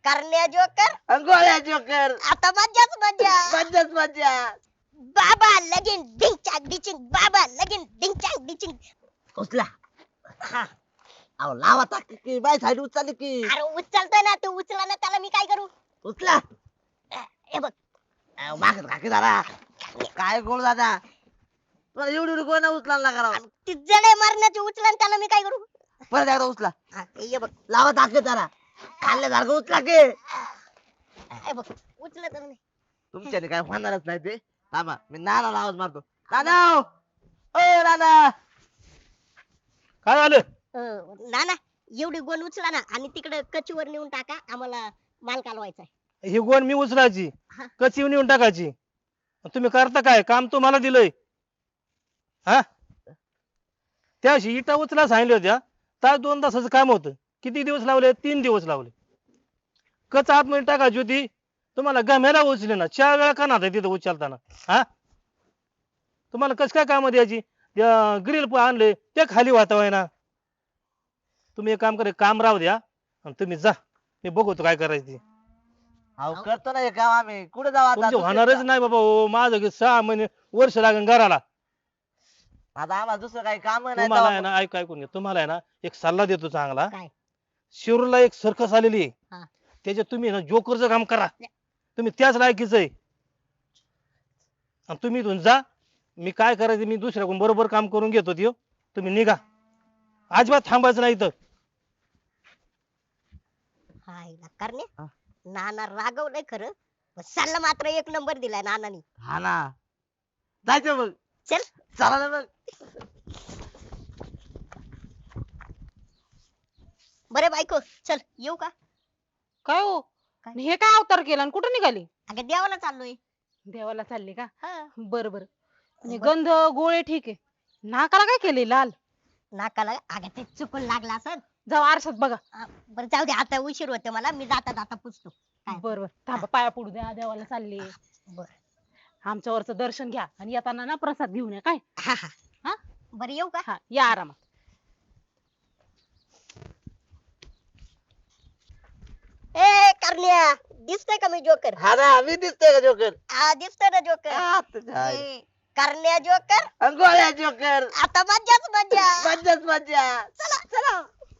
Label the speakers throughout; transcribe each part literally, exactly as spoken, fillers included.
Speaker 1: करण्या जोकर
Speaker 2: गोळ्या जोकर
Speaker 1: आता मज्जाच मज्जा
Speaker 2: मज्जाच मज्जा
Speaker 1: बाबा लगीन डिंग चाक डिचिंग बाबा लगीन डिंग चाक डिचिंग
Speaker 2: उचला
Speaker 1: हा
Speaker 2: अहो लावा टाक की बाय साईड उचलली की
Speaker 1: अरे उचलतोय ना तू उचला ना त्याला मी काय करू
Speaker 2: उचला
Speaker 1: हे बघ
Speaker 2: अहो, मागत काकी दादा काय गोळ दादा तुला एवढी एवढी गोळ्या उचलायला करा
Speaker 1: ती जडे मारण्याची उचला ना त्याला मी काय करू
Speaker 2: परत एकदा उचला
Speaker 1: हा, हे बघ
Speaker 2: लावा टाक त्याला खाल्ल्यासारखं उचला की
Speaker 1: हे बघ उचलत नाही
Speaker 2: तुमच्याने काय होणारच नाही ते थांबा मी नाना आवाज मारतो दादा ओ दादा
Speaker 3: काय झालं
Speaker 1: अं, ना ना एवढी गोण उचला ना आणि तिकडे कचीवर नेऊन टाका आम्हाला माल कालवायचा आहे
Speaker 3: ही गोण मी उचलायची
Speaker 1: हा.
Speaker 3: कची नेऊन टाकायची तुम्ही करता काय काम तुम्हाला दिलंय हा त्याशी इटा उचला सांगितल्या होत्या तास दोन तासाचं काम होतं किती दिवस लावले तीन दिवस लावले कच आतमध्ये टाकायची होती तुम्हाला गम्याला उचले ना चार वेळा का नाही तिथं उचलताना हा तुम्हाला कस काय काम द्यायची ग्रिल आणले ते खाली वाहता ना तुम्ही एक काम करे काम राहू द्या आणि तुम्ही जा मी बघतो काय करायचं ते.
Speaker 2: अहो करतो ना हे काम आम्ही कुठे जाऊ आता
Speaker 3: तुमचं
Speaker 2: दुसरीकडे?
Speaker 3: होणारच नाही बाबा हो माझं की सहा महिने वर्ष लागेल घराला
Speaker 2: आता आम्हाला दुसरं काही काम नाही
Speaker 3: तुम्हाला आहे
Speaker 2: तेव्हा
Speaker 3: ना ऐक ऐकून घ्या तुम्हाला आहे ना एक सल्ला देतो चांगला
Speaker 1: काय
Speaker 3: शिरूरला एक सर्कस आलेली आहे
Speaker 1: हा.
Speaker 3: त्याच्यात तुम्ही ना जोकरचं काम करा तुम्ही त्याच लायकीच आहे आणि तुम्ही इथून जा मी काय करायचं मी दुसऱ्याकडून बरोबर काम करून घेतो त्यो तुम्ही निघा अजिबात थांबायचं नाही इथं
Speaker 1: हाय ना करणे
Speaker 2: हा.
Speaker 1: नाना रागवलंय खरं पण सल्ला मात्र एक नंबर दिलाय नानानी
Speaker 2: हा ना जायचं मग
Speaker 1: चल
Speaker 2: चला ना मग
Speaker 1: बरे बायको चल येऊ का
Speaker 4: काय हो
Speaker 1: काय?
Speaker 4: आणि हे काय अवतार केला आणि कुठं निघाली
Speaker 1: अगं देवाला चाललोय
Speaker 4: देवाला चालली का
Speaker 1: हा
Speaker 4: बर बर म्हणजे
Speaker 1: बरं.
Speaker 4: गंध गोळे ठीक आहे नाकाला काय केले लाल
Speaker 1: नाकाला अगं ते चुकून लागला असं
Speaker 4: जाऊ आरशात बघा
Speaker 1: बरं जाऊ दे आता उशीर होते मला मी जाता जाता पुसतो काय?
Speaker 4: बर बर थांबा पाया पडू द्या देवाला चालली
Speaker 1: बर
Speaker 4: आमच्यावरचं दर्शन घ्या आणि येताना ना प्रसाद घेऊन या काय
Speaker 1: हा हा
Speaker 4: हा
Speaker 1: बरं येऊ का
Speaker 4: हा या आरामात
Speaker 1: ए करण्या दिसतोय का मी जोकर
Speaker 2: हा ना मी दिसतोय का जोकर
Speaker 1: हा दिसतोय ना जोकर
Speaker 2: आ, तुझ्या आई.
Speaker 1: ए, करण्या जोकर
Speaker 2: अन गोळ्या जोकर
Speaker 1: आता मज्जाच मज्जा
Speaker 2: मज्जाच मज्जा
Speaker 1: चला चला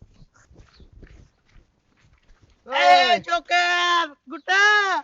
Speaker 2: ए, जोकर कुठं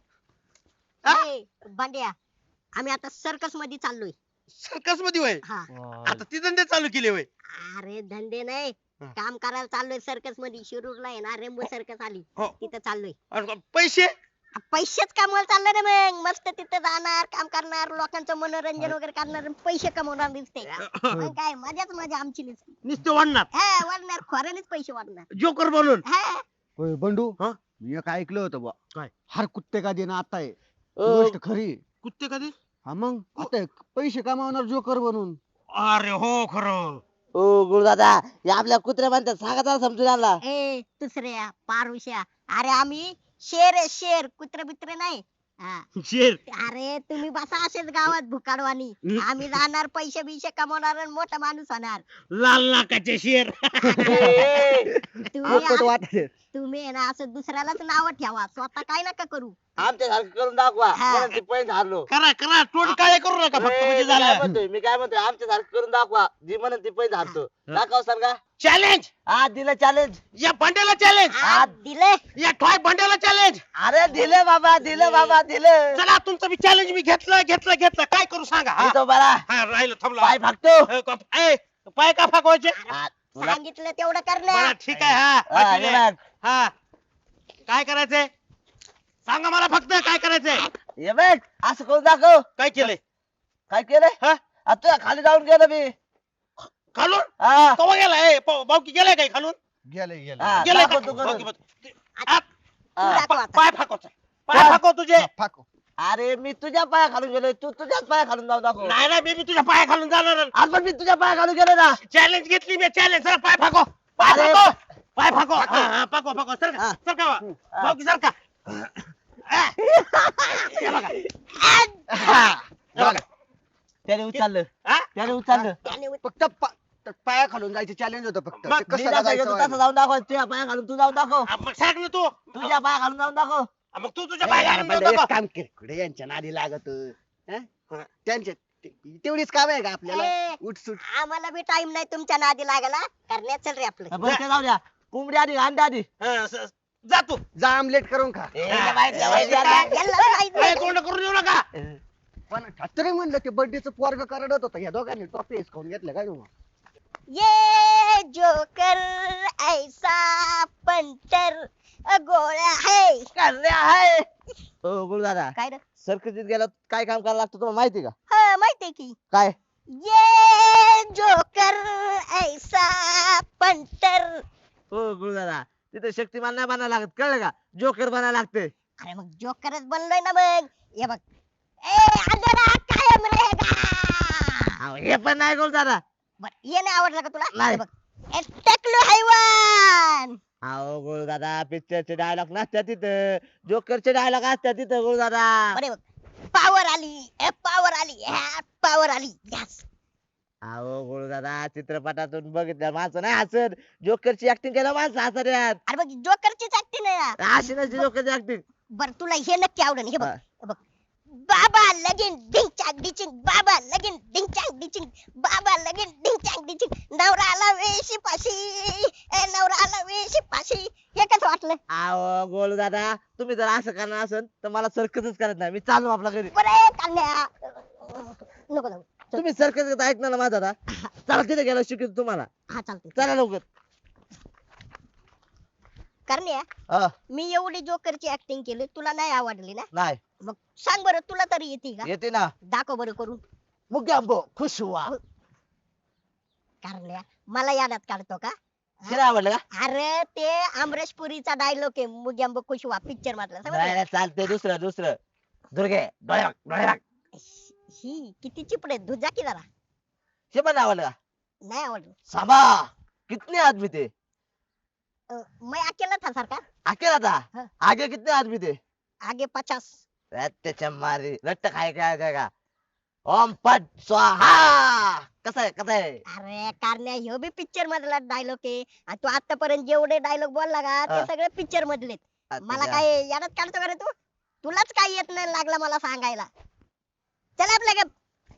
Speaker 2: हा?
Speaker 1: ए, भांड्या आम्ही आता सर्कस मध्ये चाललोय
Speaker 5: सर्कस मध्ये होय
Speaker 1: हा
Speaker 5: आता ती धंदे चालू केले होय
Speaker 1: अरे धंदे नाही
Speaker 5: हा.
Speaker 1: काम करायला चाललोय सर्कस मध्ये शिरूरला आहे ना रेम्बो सर्कस आली
Speaker 5: हो
Speaker 1: तिथं चाललोय
Speaker 5: आणि पैसे
Speaker 1: आ, पैसेच कमवायला चाललोय रे मग मस्त तिथं जाणार काम करणार लोकांचं मनोरंजन वगैरे करणार आणि पैसे कमवणार दिसते मग काय मजाच मजा आमची नुसती.
Speaker 5: नुसते वाढणार
Speaker 1: हा वाढणार खोऱ्यानेच पैसे वाढणार
Speaker 5: जोकर बनून
Speaker 1: हा
Speaker 6: होय बंडू
Speaker 5: हा?
Speaker 6: मी एक ऐकलं होतं बा
Speaker 5: काय?
Speaker 6: हर कुत्ते का देणं आता आहे ही
Speaker 2: ओ,
Speaker 6: गोष्ट खरी
Speaker 5: कुत्ते कधी
Speaker 6: हा मग आता एक पैसे कमावणार जोकर बनून
Speaker 5: अरे हो खरं
Speaker 2: ओ गुरुदादा हे आपल्या कुत्र्या म्हणतात सांगा जरा समजून आला
Speaker 1: ए दुसऱ्या पारुश्या अरे आम्ही शेर आहे शेर कुत्रे बित्रे नाही हा.
Speaker 5: शेर
Speaker 1: अरे तुम्ही बसा असेच गावात भुकाडवानी आम्ही जाणार पैसे बिशे कमवणार आणि मोठा माणूस होणार
Speaker 5: लाल नाकाचे शेर
Speaker 1: तुम्ही
Speaker 6: पोपट
Speaker 1: आ-
Speaker 6: वाटते
Speaker 1: तुम्ही आहे ना असं दुसऱ्यालाच नाव ठेवा स्वतः काय नका करू
Speaker 2: आमच्या सारखं करून दाखवा
Speaker 1: हा.
Speaker 2: म्हणून ते पैसे हारलो
Speaker 5: करा करा तोंड काळे करू नका फक्त
Speaker 2: ए,
Speaker 5: म्हणजे
Speaker 2: मी काय
Speaker 5: झालं
Speaker 2: म्हणतोय मी काय म्हणतोय आमच्या सारखं करून दाखवा जी म्हणून ती पैसे हारतो दाखव सांगा
Speaker 5: चॅलेंज
Speaker 2: हा दिलं चॅलेंज
Speaker 5: या भांड्याला चॅलेंज
Speaker 1: आ, दिले
Speaker 5: या ठॉय भांड्याला चॅलेंज
Speaker 2: अरे दिलं बाबा दिलं बाबा दिलं
Speaker 5: चला तुमचं मी चॅलेंज मी घेतलं घेतलं घेतलं काय करू सांगा हा?
Speaker 2: मी तो बरा
Speaker 5: हा राहिलं थांबला
Speaker 2: पाय फाकतो
Speaker 5: ए, का- ए, पाय का फाकवायचे
Speaker 2: हा, तुला-
Speaker 1: सांगितलं तेवढं
Speaker 5: बरं
Speaker 1: करण्या
Speaker 5: ठीक आहे हा
Speaker 2: हा,
Speaker 5: पाय पिले.
Speaker 2: हे बघ.
Speaker 5: हा काय करायचंय सांगा मला फक्त काय करायचंय
Speaker 2: हे बघ असं करून दाखव
Speaker 5: काय केलंय
Speaker 2: काय केलंय
Speaker 5: हा
Speaker 2: आता तुझ्या खाली जाऊन गेलो मी
Speaker 5: खालून
Speaker 2: हा
Speaker 5: कवा गेलाय बावकी गेलाय काय खालून
Speaker 6: गेले गेले
Speaker 2: हा,
Speaker 5: गेलाय
Speaker 2: दाखव
Speaker 5: का?
Speaker 2: तू करून.
Speaker 5: बावकी बावकी. आ,
Speaker 1: तू
Speaker 2: हा.
Speaker 1: दाखव आता.
Speaker 5: पाय फाकवचा पाय
Speaker 2: हा.
Speaker 5: फाकव तुझे
Speaker 6: फाको
Speaker 2: अरे मी तुझ्या पाया खालून गेलोय तू तुझ्याच पाया खालून जाऊ दाखव
Speaker 5: नाही नाही मी बी तुझ्या पाया खालून जाणार
Speaker 2: आज पण मी तुझ्या पाया खालून गेलो ना
Speaker 5: चॅलेंज घेतली मी चॅलेंज सर पाय फाको पाय
Speaker 2: अरे,
Speaker 5: फाको पाय फाको हा, हा, फाको फाको सर
Speaker 2: हा.
Speaker 5: सर का बावकी सर का
Speaker 2: हा. त्याने उचललं
Speaker 5: हा?
Speaker 2: त्याने उचललं
Speaker 1: त्याने उच-
Speaker 6: फक्त पा- पाया खालून जायचे चॅलेंज होतं फक्त
Speaker 5: मग
Speaker 6: ते
Speaker 2: मी
Speaker 6: कसं
Speaker 2: जसं
Speaker 6: लागायचं
Speaker 2: घेतो
Speaker 6: व्हायला.
Speaker 2: तसं जाऊन दाखव तुझ्या पाया घालून तू जाऊन दाखव
Speaker 5: हा, मग सांग ना तू
Speaker 2: तुझ्या पाया घालून जाऊन दाखव
Speaker 5: हा, मग तू तुझ्या पाय घालून
Speaker 6: पहिले
Speaker 5: जाऊ
Speaker 6: एक
Speaker 5: नको.
Speaker 6: काम कर कुठे यांच्या नादी लागत हं? त्यांच्या ते- तेवढीच काम आहे का आपल्याला
Speaker 1: ए,
Speaker 6: उठसूट
Speaker 1: आम्हाला बी टाइम नाही तुमच्या नादी लागायला करण्यात चल रे आपलं
Speaker 2: बरं ते जाऊ द्या कोंबडी आधी अंडे आधी
Speaker 5: हा, स- जा तू
Speaker 6: जा आमलेट करून खा
Speaker 2: ए,
Speaker 5: हा.
Speaker 2: बाई, जेवायची
Speaker 5: काय?
Speaker 2: आता.
Speaker 1: याला बी माहित
Speaker 5: काय
Speaker 1: नाही.
Speaker 5: तोंड करून येऊ नका
Speaker 6: पण तरी म्हणलं ते बर्थडेचं पोरग करडत होतं या दोघांनी टॉपी हिसकावून घेतलं काय तुम्ही
Speaker 1: ये जोकर ऐसा पंटर गोळ्या है
Speaker 2: करण्या आहे हो गुरु दादा
Speaker 1: काय रे
Speaker 2: सर्कसीत गेला काय काम करायला लागतं तुम्हाला माहिती का
Speaker 1: हा माहितीये की
Speaker 2: काय
Speaker 1: ये जोकर ऐसा पंटर
Speaker 2: हो गुरु दादा तिथे शक्तिमान नाही बनायला लागत कळलं का जोकर बनायला लागते
Speaker 1: अरे मग जोकरच बनलोय ना मग हे बघ ए अंधेरा कायम रहेगा
Speaker 2: अहो, हे पण नाही गुरु दादा
Speaker 1: बर ये नाही आवडलं का तुला
Speaker 2: नाही.
Speaker 1: हे बघ ए टकलू हैवान
Speaker 2: अहो गुरु दादा पिक्चरचे डायलॉग नसतात तिथं जोकरचे डायलॉग असतात तिथं गुरु दादा
Speaker 1: बरे बघ पावर आली ए पावर आली पावर आली यस
Speaker 2: अहो गुरु दादा चित्रपटातून बघितलं माणसं नाही हसत जोकरची ऍक्टिंग केलं माणसं हसत यार
Speaker 1: अरे बघ जोकरचीच ऍक्टिंग आहे यार.
Speaker 2: अशी नसते जोकरची ऍक्टिंग
Speaker 1: बर तुला हे नक्की आवडेल हे बघ
Speaker 2: हा.
Speaker 1: हे बघ बाबा लगीन डिंग चाक डिचिंग बाबा लगीन डिंग चाक डिचिंग बाबा लगीन डिंग चाक डिचिंग नवरा आला वेशी पाशी ए नवरा आला वेशी पाशी हे कसं वाटलं
Speaker 2: अहो गोलू दादा तुम्ही जर असं करणार असेल तर मला सर्कसच करत नाही मी चालू आपल्या घरी
Speaker 1: बरे कान्या नको नको
Speaker 2: तुम्ही सर्कस ऐकणार ना माझा दादा चला तिथे गेलो शिकवतो तुम्हाला
Speaker 1: हा चालते
Speaker 2: चला लवकर
Speaker 1: करण्या
Speaker 2: हा,
Speaker 1: मी एवढी जोकरची ऍक्टिंग केली तुला नाही आवडली ना
Speaker 2: नाही
Speaker 1: मग सांग बरं तुला तरी येते का
Speaker 2: येते ना
Speaker 1: दाखव बरं करून
Speaker 2: मुग्याम्बो खुश हुआ
Speaker 1: करण्या मला यादात काढतो का
Speaker 2: तिला आवडलं का
Speaker 1: अरे ते अमरेश पुरीचा डायलॉग आहे मुग्यांब कुशवा पिक्चर मधला
Speaker 2: नाही
Speaker 1: समजलं?
Speaker 2: नाही, चालतंय दुसरं दुसरं दुर्गे डोळे बघ, डोळे बघ.
Speaker 1: ही किती चिपडे दुजा की जरा
Speaker 2: हे पण आवडलं का
Speaker 1: नाही आवडलं
Speaker 2: साबा कितने आदमी थे
Speaker 1: अ, मैं अकेला था सरकार
Speaker 2: अकेला था
Speaker 1: हाँ.
Speaker 2: आगे कितने आदमी थे
Speaker 1: आगे पचास
Speaker 2: त्याच्या मारी रट्ट खाय काय काय का ओम पट स्वाहा कसं आहे कसं आहे
Speaker 1: अरे कारण्या ह्यो बी पिक्चर मधला डायलॉग आहे आणि तू आतापर्यंत जेवढे डायलॉग बोलला का ते
Speaker 2: हा.
Speaker 1: सगळे पिक्चर मधले मला
Speaker 2: अच्छा.
Speaker 1: काय यादात काढतो का रे तू तुलाच काय येत नाही लागला मला सांगायला चल आपल्या ग-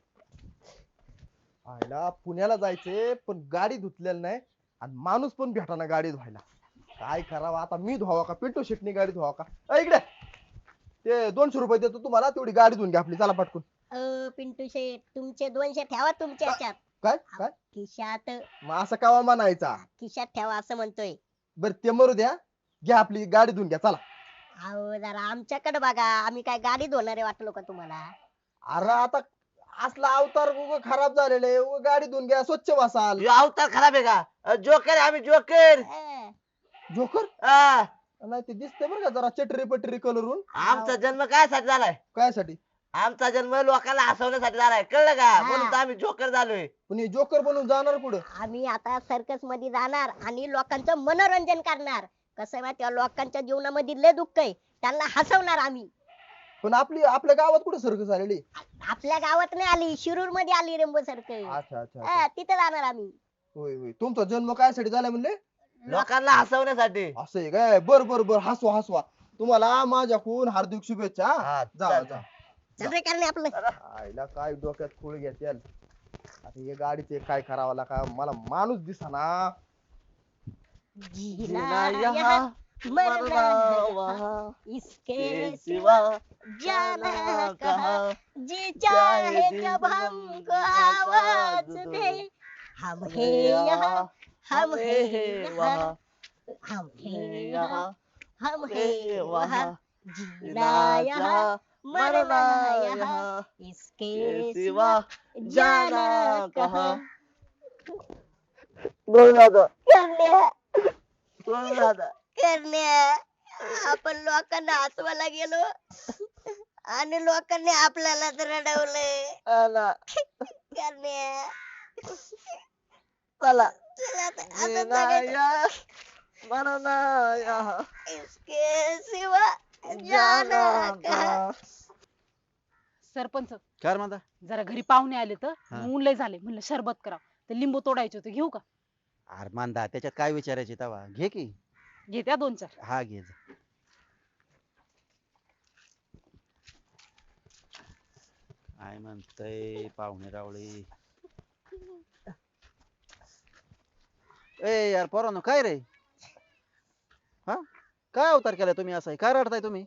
Speaker 7: आयला पुण्याला जायचे पण गाडी धुतलेली नाही आणि माणूस पण भेटाना गाडी धुवायला काय करावं आता मी धुवावं का पिंटू शेटनी गाडी धुवावं का अ, इकडे ते दोनशे रुपये देतो तुम्हाला तेवढी गाडी धुवून घ्या आपली चला पटकून
Speaker 1: अ, पिंटू शेठ तुमचे दोनशे ठेवा तुमच्या ह्याच्यात
Speaker 7: काय काय
Speaker 1: खिशात
Speaker 7: मग असं कावा म्हणायचा
Speaker 1: खिशात ठेवा असं म्हणतोय
Speaker 7: बरं ते मरू द्या घ्या आपली गाडी धुवून घ्या चला
Speaker 1: अहो जरा आमच्याकडे बघा आम्ही काय गाडी धुणारे वाटलो का तुम्हाला
Speaker 7: अरे आता असला अवतार उग खराब झालेले उग गाडी धुवून घ्या स्वच्छ बसाल
Speaker 2: ह्यो अवतार खराब आहे का जोकर आहे आम्ही जोकर
Speaker 1: अं,
Speaker 7: जोकर
Speaker 2: हा,
Speaker 7: नाही ते दिसते बरं का जरा चटरी पटरी कलरून
Speaker 2: आमचा जन्म काय साठी झालाय
Speaker 7: काय साठी
Speaker 2: आमचा जन्म लोकांना हसवण्यासाठी झालाय कळलं का
Speaker 1: हा.
Speaker 2: म्हणून तर आम्ही जोकर झालोय
Speaker 7: पण हे जोकर बनून जाणार पुढे
Speaker 1: आम्ही आता सर्कस मध्ये जाणार आणि लोकांचं मनोरंजन करणार कसं आहे माहिती लोकांच्या जीवनामध्ये लय दुःख आहे त्यांना हसवणार आम्ही
Speaker 7: पण आपली आपल्या गावात कुठे सर्कस आलेली
Speaker 1: आपल्या गावात नाही आली शिरूर मध्ये आली रेंबो सर्कस
Speaker 7: अच्छा अच्छा अच्छा.
Speaker 1: हा, तिथे जाणार आम्ही
Speaker 7: होय होय तुमचा जन्म काय साठी झाला म्हणले
Speaker 2: लोकांना हसवण्यासाठी
Speaker 7: असं आहे काय बर बर बर हसवा हसवा तुम्हाला माझ्याकडून हार्दिक शुभेच्छा हा.
Speaker 2: हा,
Speaker 7: जा
Speaker 2: चल.
Speaker 7: जा
Speaker 1: चल रे करणे आपलं
Speaker 7: आईला काय डोक्यात खूळ घेतील आता हे गाडीचे काय करावं लागा मला माणूस दिसाना
Speaker 1: जीना
Speaker 2: यहाँ
Speaker 1: यहाँ मरना
Speaker 2: मरना
Speaker 1: है
Speaker 2: वहाँ,
Speaker 1: इसके
Speaker 2: के
Speaker 1: सिवा
Speaker 2: सिवा
Speaker 1: जाना
Speaker 2: जाना
Speaker 1: कहाँ
Speaker 2: कहाँ,
Speaker 1: जी चाहे
Speaker 2: चाहे
Speaker 1: जब
Speaker 2: जब
Speaker 1: हमको
Speaker 2: हमको
Speaker 1: आवाज
Speaker 2: आवाज
Speaker 1: दे
Speaker 2: दे।
Speaker 1: हम है यहाँ हम है यहाँ
Speaker 2: वहाँ,
Speaker 1: हम है
Speaker 2: है
Speaker 1: यहाँ
Speaker 2: यहाँ,
Speaker 1: हम है
Speaker 2: है
Speaker 1: वहाँ
Speaker 2: वहाँ,
Speaker 1: जीना यहाँ मरना यहाँ इसके
Speaker 2: के
Speaker 1: सिवा
Speaker 2: सिवा
Speaker 1: जाना
Speaker 2: जाना
Speaker 1: कहाँ
Speaker 2: कहाँ बोल दादा
Speaker 1: करण्या
Speaker 2: बोल दादा
Speaker 1: करण्या आपण लोकांना हसवायला गेलो आणि लोकांनी आपल्याला रडवलंय
Speaker 2: आला
Speaker 1: करण्या
Speaker 2: चला
Speaker 1: चला आता असं
Speaker 2: जीना
Speaker 1: जगायचं.
Speaker 2: यहाँ, मरना यहाँ,
Speaker 1: इसके सिवा जाना
Speaker 2: जाना
Speaker 1: कहाँ
Speaker 2: कहाँ.
Speaker 4: सरपंच
Speaker 6: काय म्हणता
Speaker 4: जरा घरी पाहुणे आले तर
Speaker 6: हा.
Speaker 4: ऊन लय झाले म्हणलं शरबत करा ते लिंबू तोडायचे होते, घेऊ का?
Speaker 8: अरे मांदा त्याच्यात काय विचारायचे तवा घे की.
Speaker 4: घे त्या दोन चार.
Speaker 8: हा घे जा. काय म्हणतय पाहुणे रावळे. ए यार पोरांनो काय रे? हा काय अवतार केलाय तुम्ही असा काय रडताय तुम्ही?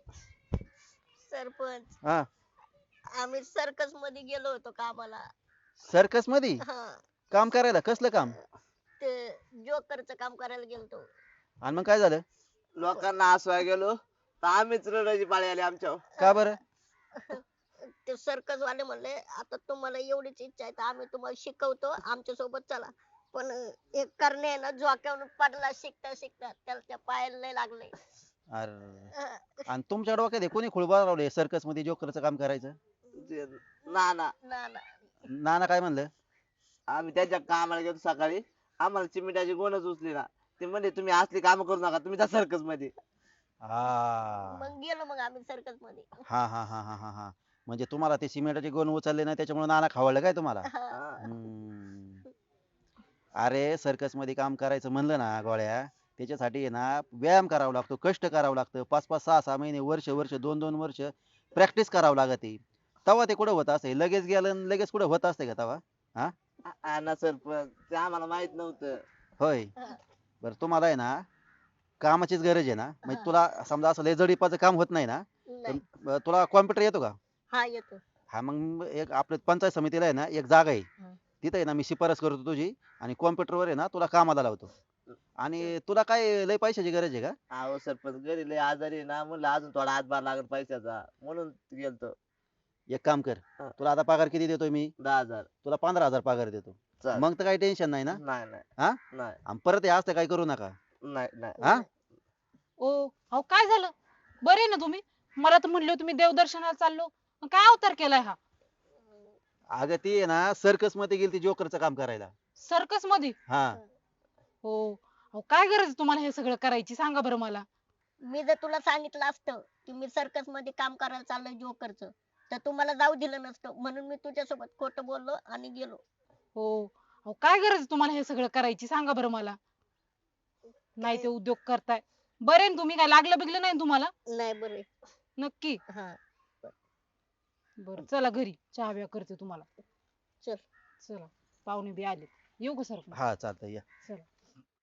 Speaker 1: सरपंच
Speaker 8: हा
Speaker 1: आम्ही सर्कस मध्ये गेलो होतो कामाला.
Speaker 8: सर्कस मध्ये
Speaker 1: हा
Speaker 8: काम करायला कसलं काम?
Speaker 1: ते जोकरचं काम करायला गेलतो.
Speaker 8: आणि मग काय झालं?
Speaker 2: लोकांना हसवाय गेलो तर आम्हीच रडायची पाळी आली आमच्यावर.
Speaker 8: का बरं?
Speaker 1: ते सर्कस वाले म्हणले आता तुम्हाला एवढीच इच्छा आहे तर आम्ही तुम्हाला शिकवतो, आमच्या सोबत चला. पण एक करणे आहे ना झोक्यावरून पडला शिकता शिकता, त्याला त्या पायाला लय लागले.
Speaker 8: अरे आणि तुमच्या डोक्यात हे कोणी खुळबा लावले सर्कस मध्ये जोकरचं काम करायचं?
Speaker 2: ना ना
Speaker 1: ना ना
Speaker 8: नाना काय म्हणलं?
Speaker 2: आम्ही त्याच्या कामाला गेलो सकाळी, आम्हाला चिमिटाची गोणच उचली ना. ते म्हणजे तुम्ही असली काम करू नका, तुम्ही त्या सर्कस मध्ये.
Speaker 8: हा
Speaker 1: मग गेलो मग आम्ही सर्कस मध्ये.
Speaker 8: हा हा हा हा हा हा म्हणजे तुम्हाला ते सिमेंटाचे गोण उचलले नाही त्याच्यामुळे नाना खावडलं काय तुम्हाला?
Speaker 1: हा.
Speaker 8: हम्म. अरे सर्कस मध्ये काम करायचं म्हणलं ना गोळ्या, त्याच्यासाठी आहे ना व्यायाम करावा लागतो, कष्ट करावं लागतं, पाच पाच सहा सहा महिने वर्ष वर्ष दोन दोन वर्ष प्रॅक्टिस करावं लागते. तेव्हा ते कुठं होत असते, लगेच गेलं आणि लगेच कुठं होत असते का तेव्हा? हा
Speaker 2: हा ना सरपंच, ते आम्हाला माहित नव्हतं.
Speaker 8: होय.
Speaker 1: हा.
Speaker 8: बरं तुम्हाला आहे ना कामाचीच गरज आहे ना, म्हणजे तुला समजा असं लय जडीपाचं काम होत नाही ना, तर
Speaker 1: नाही.
Speaker 8: अं, तुला कॉम्प्युटर येतो का?
Speaker 1: हा येतो.
Speaker 8: हा मग एक आपल्या पंचायत समितीला आहे ना एक जागा आहे,
Speaker 1: हं.
Speaker 8: तिथे आहे ना मी शिफारस करतो तुझी आणि कॉम्प्युटरवर आहे ना तुला कामाला लावतो. आणि तुला काय लय पैशाची गरज आहे का?
Speaker 2: अहो सरपंच घरी लय आजारी आहे ना, म्हणलं अजून थोडा हातभार लागत पैशाचा, म्हणून गेलतो.
Speaker 8: एक काम कर,
Speaker 2: हा.
Speaker 8: तुला आता पगार किती देतोय मी?
Speaker 2: दहा हजार.
Speaker 8: तुला पंधरा हजार पगार देतो.
Speaker 2: चालेल.
Speaker 8: मग तर काही टेन्शन नाही ना?
Speaker 2: नाही नाही
Speaker 8: हा
Speaker 2: नाही
Speaker 8: आणि परत हे असतं काही करू नका.
Speaker 2: नाही नाही
Speaker 8: हा
Speaker 4: ओ अहो काय झालं? बरे ना तुम्ही? मला तर म्हणले तुम्ही देवदर्शनाला चाललो, मग काय अवतार केलाय हा?
Speaker 8: अगं ती आहे ना सर्कस मध्ये गेली ती जोकरचं काम करायला.
Speaker 4: सर्कस मध्ये?
Speaker 8: हा
Speaker 4: हो अहो काय गरज आहे तुम्हाला हे सगळं करायची सांगा बरं मला.
Speaker 1: मी जर तुला सांगितलं असतं की मी सर्कस मध्ये काम करायला चाललोय जोकरचं, तर तुम्हाला जाऊ दिलं नसतं, म्हणून मी तुझ्यासोबत खोटं बोललो आणि गेलो.
Speaker 4: हो अहो काय गरज आहे तुम्हाला हे सगळं करायची सांगा बरं मला. नाही ते उद्योग करताय. बरे ना तुम्ही? काय लागलं बिगलं नाही ना तुम्हाला?
Speaker 1: नाही बरे.
Speaker 4: नक्की?
Speaker 1: हा
Speaker 4: बरं चला घरी चहा बिहा करते तुम्हाला.
Speaker 1: चल.
Speaker 4: चला पाहुणे बी आले, येऊ का सर?
Speaker 8: हा चालतंय या.
Speaker 4: चला.